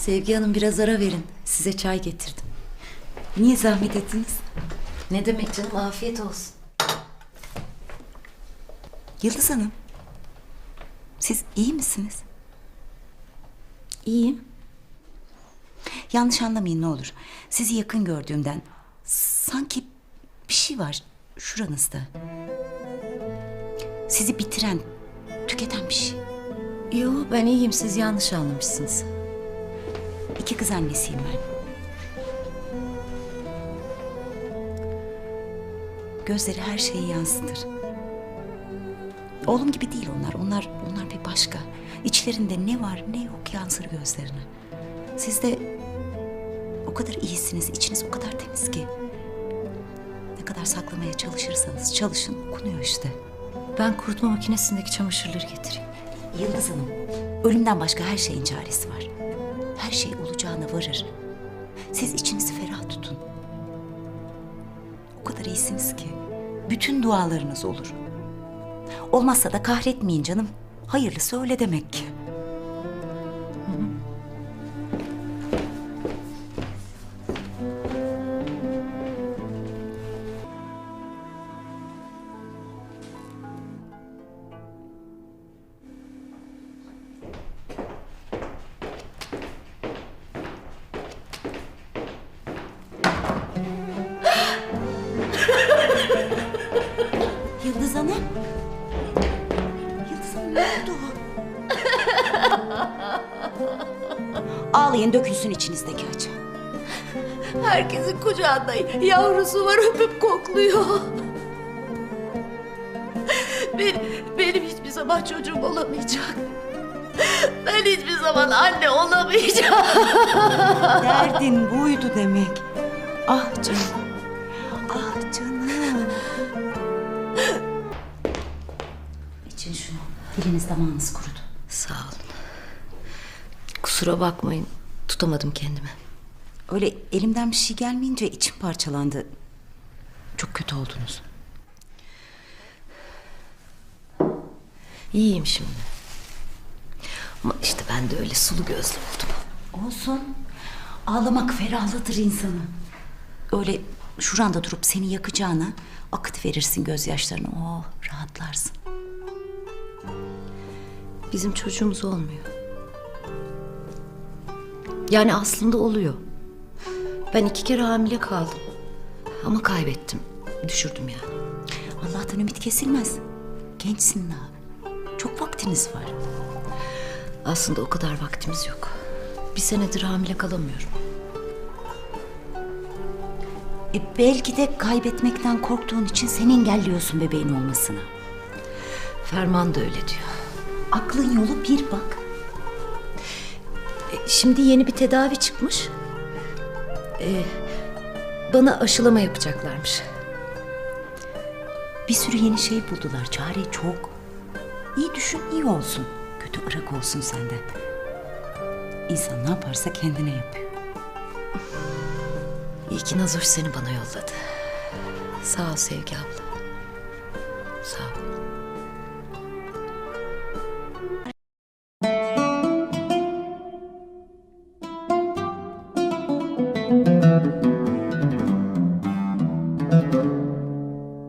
Sevgi Hanım biraz ara verin. Size çay getirdim. Niye zahmet ettiniz? Ne demek canım, afiyet olsun. Yıldız Hanım, siz iyi misiniz? İyiyim. Yanlış anlamayın ne olur. Sizi yakın gördüğümden sanki bir şey var şuranızda. Sizi bitiren, tüketen bir şey. Yo, ben iyiyim, siz yanlış anlamışsınız. 2 kız annesiyim ben. Gözleri her şeyi yansıtır. Oğlum gibi değil onlar. Onlar bir başka. İçlerinde ne var ne yok yansır gözlerine. Siz de o kadar iyisiniz. İçiniz o kadar temiz ki. Ne kadar saklamaya çalışırsanız çalışın okunuyor işte. Ben kurutma makinesindeki çamaşırları getireyim. Yıldız Hanım, ölümden başka her şeyin çaresi var. Her şey olacağına varır. Siz içinizi ferah tutun. O kadar iyisiniz ki bütün dualarınız olur. Olmazsa da kahretmeyin canım. Hayırlısı öyle demek ki. Yıldız Hanım. Yıldız Hanım ne oldu? Ağlayın dökülsün içinizdeki acı. Herkesin kucağında yavrusu var, öpüp kokluyor. Benim hiçbir zaman çocuğum olamayacak. Ben hiçbir zaman anne olamayacağım. Derdin buydu demek. Ah canım. Ah canım. İçin şunu. Diliniz damağınız kurudu. Sağ olun. Kusura bakmayın, tutamadım kendimi. Öyle elimden bir şey gelmeyince içim parçalandı. Çok kötü oldunuz. İyiyim şimdi. Ama işte ben de öyle sulu gözlü oldum. Olsun. Ağlamak ferahlatır insanı. Öyle şuranda durup seni yakacağına akıt verirsin gözyaşlarını. Oh, rahatlarsın. Bizim çocuğumuz olmuyor. Yani aslında oluyor. Ben 2 kere hamile kaldım. Ama kaybettim. Düşürdüm yani. Allah'tan ümit kesilmez. Gençsin daha. Çok vaktiniz var. Aslında o kadar vaktimiz yok. 1 senedir hamile kalamıyorum. Belki de kaybetmekten korktuğun için sen engelliyorsun bebeğin olmasını. Ferman da öyle diyor. Aklın yolu bir bak. Şimdi yeni bir tedavi çıkmış. Bana aşılama yapacaklarmış. Bir sürü yeni şey buldular. Çare çok. İyi düşün, iyi olsun. Kötü ırak olsun senden. İnsan ne yaparsa kendine yapıyor. İyi ki Nazoş seni bana yolladı. Sağ ol Sevgi abla. Sağ ol.